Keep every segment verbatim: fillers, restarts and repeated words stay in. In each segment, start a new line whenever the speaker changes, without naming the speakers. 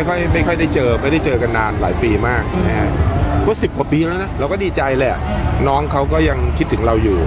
ไม่ค่อยไม่ค่อยได้เจอไม่ได้เจอกันนานหลายปีมากนะฮะก็สิบกว่าปีแล้วนะเราก็ดีใจแหละน้องเขาก็ยังคิดถึงเราอยู่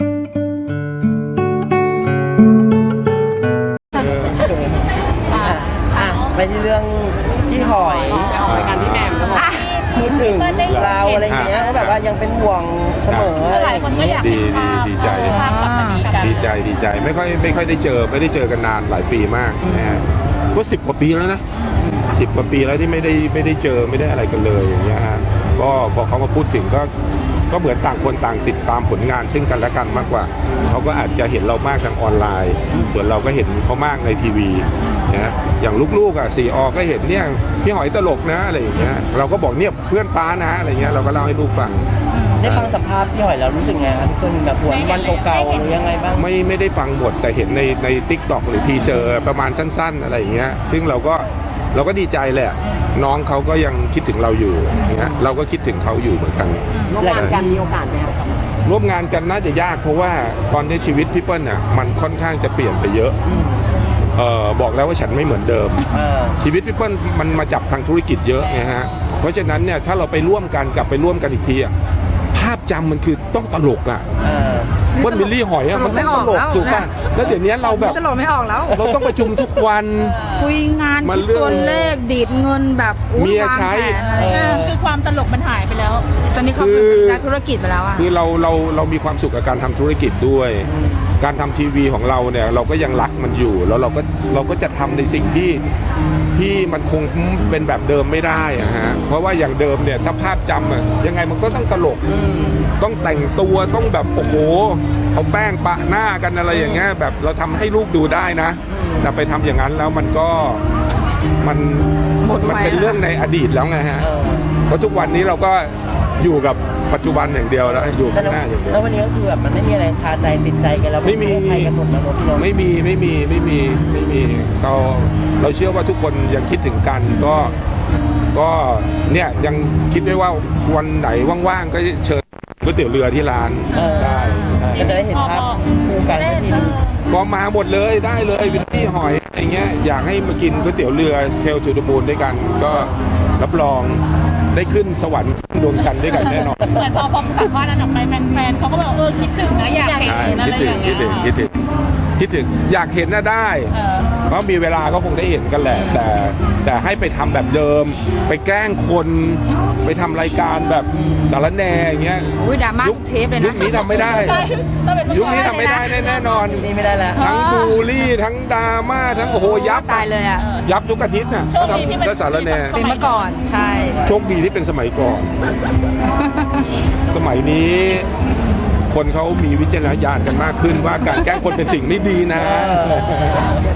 ไปที่เรื่องพี่หอยรายการพี่แหม่มแล้วบอกพูดถึงเราอะไรอย่างเงี้ยก็แบบว่ายังเป็นห่วงเสมอหลายคนก็อยาก
ดีดีดีใจดีใจดีใจไม่ค่อยไม่ค่อยได้เจอไม่ได้เจอกันนานหลายปีมากนะฮะก็สิบกว่าปีแล้วนะสิบกว่าปีแล้วที่ไม่ได้ไม่ได้เจอไม่ได้อะไรกันเลยอย่างเงี้ยฮะก็พอเขามาพูดถึงก็ก็เหมือนต่างคนต่างติดตามผลงานซึ่งกันและกันมากกว่าเขาก็อาจจะเห็นเรามากทางออนไลน์ส่วนเราก็เห็นเขามากในทีวีนะอย่างลูกๆอ่ะสี่อก็เห็นเนี่ยพี่หอยตลกนะอะไรอย่างเงี้ยเราก็บอกเนี่ยเพื่อนป้านะอะไรเงี้ยเราก็เล่าให้ลูกฟัง
ได้ฟังสัมภาษณ์พี่หอยแล้วรู้สึกไงครับทุกคนแบบหวนวันเก่าๆหรือยังไงบ้าง
ไม่ไม่ได้ฟังหมดแต่เห็นในในทิกตอกหรือทีเซอร์ประมาณสั้นๆอะไรอย่างเงี้ยซึ่งเราก็เราก็ดีใจแหละน้องเขาก็ยังคิดถึงเราอยู่อย่างเงี้ยเราก็คิดถึงเขาอยู่เหมือนกัน
ร่วมงานกันมีโอกาสไหมครับ
ร่วมงานกันน่าจะยากเพราะว่าตอนนี้ชีวิตพี่เปิ้ลน่ะมันค่อนข้างจะเปลี่ยนไปเยอะเอ่อบอกแล้วว่าฉันไม่เหมือนเดิมชีวิตพี่เปิ้ลมันมาจับทางธุรกิจเยอะไงฮะเพราะฉะนั้นเนี่ยถ้าเราไปร่วมกันกลับไปร่วมกันอีกทีอ่ะภาพจำมันคือต้องตลกอ่ะว่าบิลลี่หอยอ่ะมันต้องตลกถูกป่ะแล้วเดี๋ยวนี้เราแบบ
ตลกไม่ออกแล้ว
เราต้องประชุมทุกวัน
คุยงานคิดตัวเลขดีดเงินแบบ
เมียใช้
คือความตลกมันหายไปแล้ว
ตอนนี้เขาเป็นนักธุรกิจไปแล้วอ่ะ
คือเราเราเรามีความสุขกับการทำธุรกิจด้วยการทำทีวีของเราเนี่ยเราก็ยังรักมันอยู่แล้วเราก็เราก็จะทำในสิ่งที่ที่มันคงเป็นแบบเดิมไม่ได้อะฮะเพราะว่าอย่างเดิมเนี่ยถ้าภาพจำอะยังไงมันก็ต้องตลกต้องแต่งตัวต้องแบบโอ้โหเอาแป้งปะหน้ากันอะไรอย่างเงี้ยแบบเราทำให้ลูกดูได้นะแต่ไปทำอย่างนั้นแล้วมันก็มันมันเป็นเรื่องในอดีตแล้วไงฮะเพราะทุกวันนี้เราก็อยู่กับปัจจุบันอย่างเดียวแล้วอยู่ข้างหน้าอย่างเดียว
แล้ววันนี้ก็คือแบบมันไม่มีอะไรคาใจติดใจกันแล้ว
ไม่มีไม่มีไม่มีไม่มีไม่มีเราเราเชื่อว่าทุกคนยังคิดถึงกันก็ก็เนี่ยยังคิดได้ว่าวันไหนว่างๆก็เชิญก๋วยเตี๋ยวเรือที่ร้านได้
ก็จะได้เห็นภาพคู่กันที
ก็มาหมดเลยได้เลยวินตี้หอยอะไรเงี้ยอยากให้มากินก๋วยเตี๋ยวเรือเซลทูดมูลด้วยกันก็รับรองได้ขึ้นสวรรค์ดวงจันทร์ด้วยกันแน่นอน
เหมือนพอพอสัมภาษณ์นั้นออกไปแฟนๆเขาก็บอกเออคิดถึงนะอยากเห็นอะไรอย่างเงี้ย
คิดถึงคิดถึงคิดถึงอยากเห็นน่ะได้เพราะมีเวลาก็คงได้เห็นกันแหละแต่แต่ให้ไปทำแบบเดิมไปแกล้งคนไปทำรายการแบบสารแหน่อย่างเงี้ย
อุ้ยดราม่าทุกเทปเลยนะ
ยุคนี้ทำไม่ได้ยุคนี้ทำไม่ได้แน่นอน
นี่ไม่ได้แล้ว
ทั้งบูลลี่ทั้งดราม่าทั้งโอ้โหยับ
ตายเลยอ่ะ
ยับทุกอาทิตย์น่ะก็ทำก็สารแหน่
เป็นเมื่อก่อนใช่
โชคดีที่เป็นสมัยก่อนสมัยนี้คนเขามีวิจารณญาณกันมากขึ้นว่าการแกล้งคนเป็นสิ่งไม่ดีนะ